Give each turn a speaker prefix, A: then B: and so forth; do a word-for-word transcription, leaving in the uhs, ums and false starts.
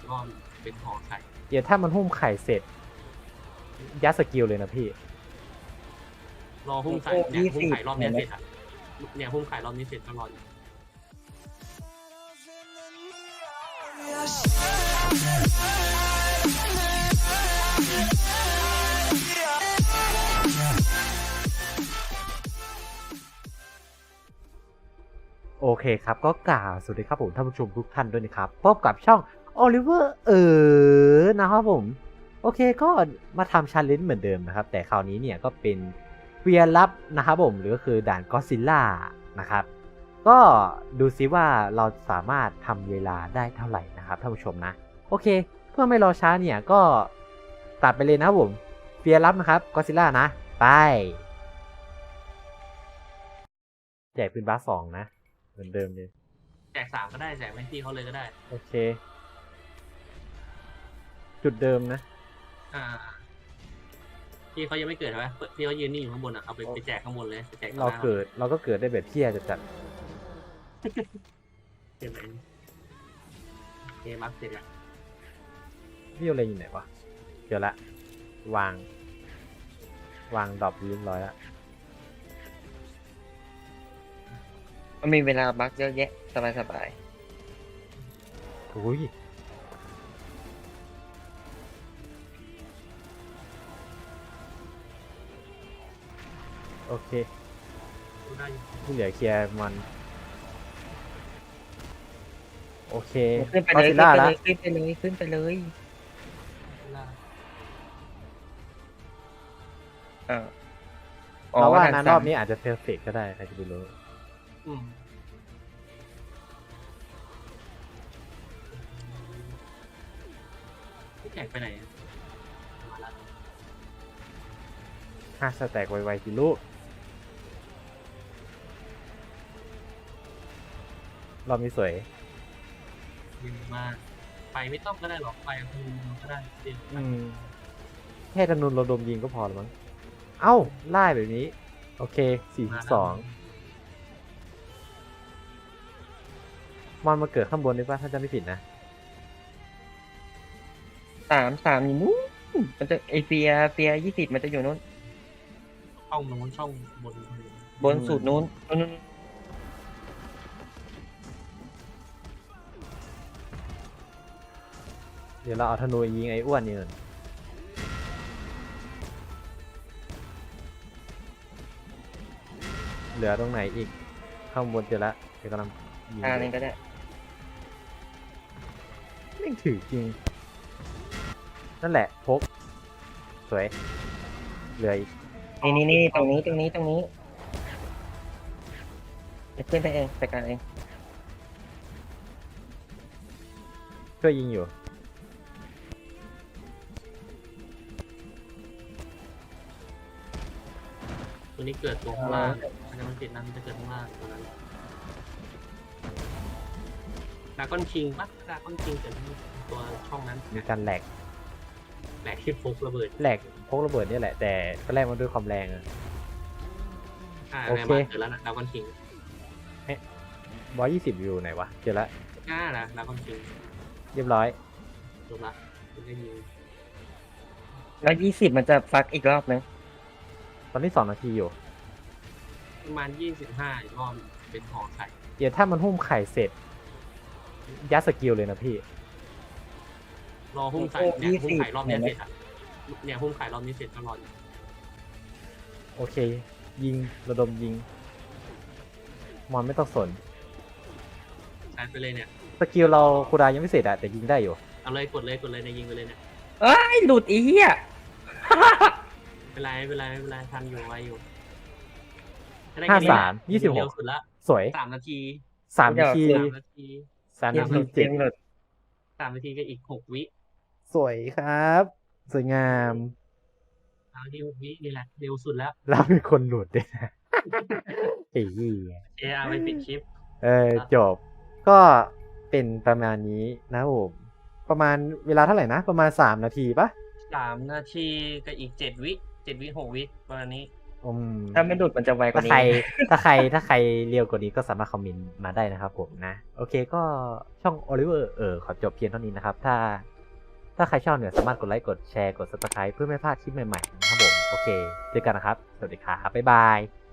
A: รอบเป็นห่อไข่
B: เดี๋ยวถ้ามันหุ้มไข่เสร็จยัดสกิลเลยนะพี่
A: รอหุ้มไข่เนี่ยหุ้มไข่รอบนี้เสร็จอ่ะเนี่ยหุ้มไข่รอบนี้เสร็จก็รออยู่
B: โอเคครับก็กล่าวสวัสดีครับผมท่านผู้ชมทุกท่านด้วยนะครับพบกับช่องโอลิเวอร์เออนะครับผมโอเคก็มาทำชันเลนจ์เหมือนเดิมนะครับแต่คราวนี้เนี่ยก็เป็นเฟียร์ลับนะครับผมหรือก็คือด่านก็อดซิลล่านะครับก็ดูซิว่าเราสามารถทำเวลาได้เท่าไหร่นะครับท่านผู้ชมนะโอเคเพื่อไม่รอช้าเนี่ยก็ตัดไปเลยนะครับผมเฟียร์ลับนะครับก็อดซิลล่านะไปแจกปืนบาสสองนะเหมือนเดิมเลย
A: แจกสามก็ได้แจกไม่ที่เขาเลยก็ได้
B: โอเคจุดเดิมนะ
A: อ่าพี่เขายังไม่เกิดใช่ไหมพี่เขายืนนี่อยู่ข้างบนอ่ะเอาไปไปแจกข้างบนเลยไปแจก
B: เราเกิดเราก็เกิดได้แบบเที่ยจะจัด
A: เก็บไปเกมอัพเสร็จแล้ว
B: พี่อะไรอยู่ไหนวะเจอละวางวางดรอปเรียบร้อยแล้ว
C: มันมีเวลาบักเยอะแยะสบายสบาย
B: โอ้ยโอเคที่เหลือเคลียร์มันโอเค
C: ขึ้นไปเลยขึ้นไปเลยขึ้นไปเลยขึ้นไปเลยอ่า
B: เพราะว่านั้นรอบนี้อาจจะเพอร์เฟกก็ได้ใครจะไปรู้
A: พี่แจกไปไหน
B: ห้าสแต็กไวๆสิลูกรอบนี้สวย
A: ยิงมากไฟไม่ต้องก็ได้หรอกไฟธนูก็ได้
B: อืมแค่ธนูเราดมยิงก็พอแล้วมั้งเอ้าไล่แบบนี้โอเคสี่สิบสองมอนมาเกิดข้างบนได้ป่ะถ้าจะไม่ผิดนะ
C: สามสามอยู่นู้นมันจะไอเฟียเฟียยี่สิบมันจะอยู่นู้น
A: ช่องนู้นช่องบน
C: บนสุดนู้นนู้น
B: เดี๋ยวเราเอาธนูยิงไอ้อ้วนนี่ก่อนเหลือตรงไหนอีกข้างบนเจอละเดี๋ยวกำลังยิง
C: อ่านี่ก็ได้
B: ไม่ถือจริงนั่นแหละพกสวยเหลืออีก
C: นี่นี่นี่ตรงนี้ตรงนี้ตรงนี้จะขึ้นไปเองไปกันเอง
B: ช่วยยิงอยู่
A: ตัวนี้เกิดตัวข้างล่างมันจะมันติดนั้นมันจะเกิดข้างล่างตัวนั้นดราก้อนคิงปะดราก้อนคิงเกิดตัวช่องนั้น
B: มีการแหลก
A: แหลกที่พกระเบิด
B: แหลกพกระเบิดนี่แหละแต่ก็แรกมาด้วยความแรงอะ
A: โอเคเจอแล้วนะดราก้อนคิง
B: ร้อยยี่สิบอยู่ไหนวะเจอแล้ว
A: น่าละดราก้อนคิง
B: เรียบร้อย
A: จบละคุณได้ยิน
C: แล้วยี่สิบมันจะฟักอีกรอบนึง
B: ตอนนี้สองนาทีอยู่
A: ประมาณยี่สิบห้ารอบเป็นห่อไข่
B: เดี๋ยวถ้ามันหุ้มไข่เสร็จยัดสกิลเลยนะพี่
A: รอหุ้มไข่เนี่ยหุ้มไข่รอบนี้เสร็จอ่ะเนี่ยหุ้มไข่รอบนี้เสร็จก็รออยู่
B: โอเคยิงระดมยิงมอนไม่ต้องสน
A: ใช้ไปเลยเนี่ย
B: สกิลเราคูดายังไม่เสร็จอะแต่ยิงได้อยู่
A: เอาเลยกดเลยกดเลยในยิงไปเลยเนี่ย
C: เอ้ยหลุดอีเหี้ย
A: เป็นไรเป็นไรเป็นไรทันอยู่ไวอยู่
B: ห้าสามยี่สิบหก
A: สุดละ
B: สวย
A: สามนาที
B: สามนาที
A: สามนาที
B: สามนาทีเจ็ด
A: สามนาทีก็อีกหกวิ
B: สวยครับสวยงาม
A: สามนาทีหกวินี่แหละเร็วสุดแล้ว
B: เราเป็นคนหลุดด้วยนะไอ้ยี่
A: เออาร์ไปปิดคลิป
B: เออจบก็เป็นประมาณนี้นะผมประมาณเวลาเท่าไหร่นะประมาณสามนาทีปะ
A: สามนาทีกับอีกเจ็ดวิเจ็ดวิหกวิประมาณนี้
B: อืม
C: ถ้าไม่หลุดมันจะไวก
B: ถ้า
C: ว่า
B: ใคร
C: นี้
B: ถ้าใครถ้าใครเร็วกว่านี้ก็สามารถคอมเมนต์มาได้นะครับผมนะ โอเคก็ช่อง Oliver เออขอจบเพียงเท่านี้นะครับ ถ้า ถ้าใครชอบเนี่ยสามารถกดไลค์กดแชร์กด Subscribe เพื่อไม่พลาดคลิปใหม่ๆนะครับผมโอเคเจอกันนะครับ สวัสดีครับบ๊ายบาย